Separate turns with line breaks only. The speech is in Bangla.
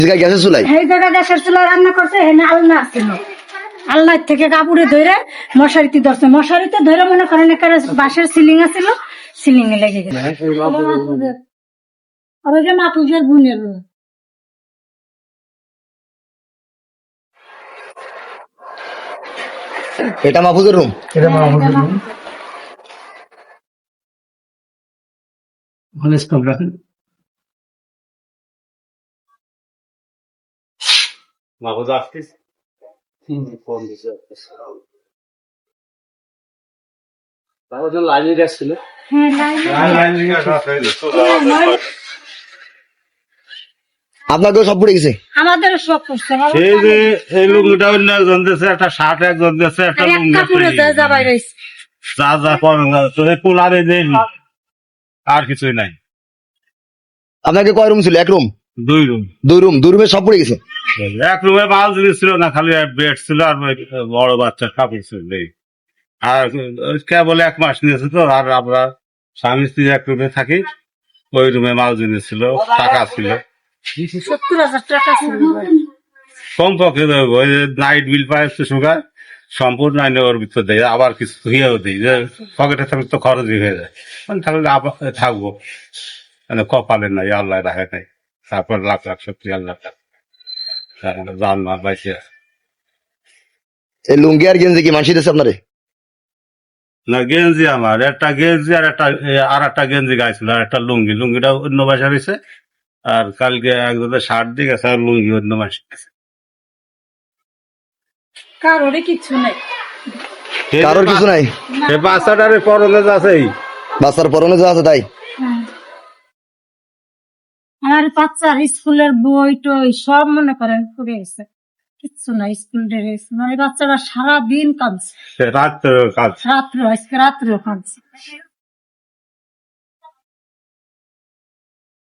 গ্যাসের চুলাই
এই জায়গা গ্যাসের চুলা রান্না করছে, এখানে আলনা ছিল। আলনার থেকে কাপড়ে ধরে মশারিতে ধরছে, মশারিতে ধরে মনে করেন এখানে বাঁশের সিলিং আছিল, সিলিং এ লেগে গেছে। আর ওই যে মাপুজের বোনের
এটা মাহফুজের রুম।
মাহফুজ আসছিস ফোন দিছে লাইনে যাচ্ছিল।
আপনাকেও সব পড়ে গেছে?
আমাদের সব করছে।
এই যে এই লুঙ্গিটা অন্য একজন দিয়েছে, একটা শার্ট একজন দিয়েছে, একটা লুঙ্গি যা যা করেন তো এই কুলারে দেন, আর কিছুই নাই।
আপনাকে কয় রুম ছিল? এক রুম?
2 রুম।
2 রুম? 2 রুমে সব পড়ে গেছে?
এক রুমে মাল জিনিস ছিল না, খালি বেড ছিল আর বড় বাচ্চার কাপড় ছিল। আর কেবল 1 মাস নিয়েছে তো, আর আমরা স্বামী স্ত্রী এক রুমে থাকি। ওই রুমে মাল জিনিস ছিল, টাকা ছিল
70,000 টাকা ছিল।
কমপক্ষে। ওই নাইট বিল পায় শুকায় সম্পূর্ণ আইনে ওর ভিতর দেয়, আবার কিছু ধুয়েও দিই যে পকেটে থাকলে তো খরচই হয়ে যায়। মানে তাহলে আবার থাকবো, মানে কপালে নাই, আল্লাহ রাখে নাই। তারপর লাখ লাখ সত্যি আল্লাহ জান মাল পাইছে।
এই লুঙ্গি আর গেঞ্জি কি মানসি দিয়েছে আপনারে?
না, গেঞ্জি আমার একটা গেঞ্জি আর একটা গেঞ্জি গাইছিল, আর একটা লুঙ্গি। লুঙ্গিটা অন্য বাসা রয়েছে, আর কালকে একজনের শার্ট দিয়ে গেছে, আর লুঙ্গি অন্য বাসা গেছে।
কারোরই কিছু নাই।
কারোর কিছু নাই?
সে বাচ্চাটারে পরনে আছেই,
বাচ্চার পরনে যা আছে তাই।
আমার বাচ্চার স্কুলের বই টই সব মনে করেন পড়ে গেছে, কিচ্ছু নাই। স্কুল ড্রেস মানে বাচ্চারা সারাদিন কাঁদছে,
রাত্রে কাজ।
আজকে রাত্রেও কাঁদছে।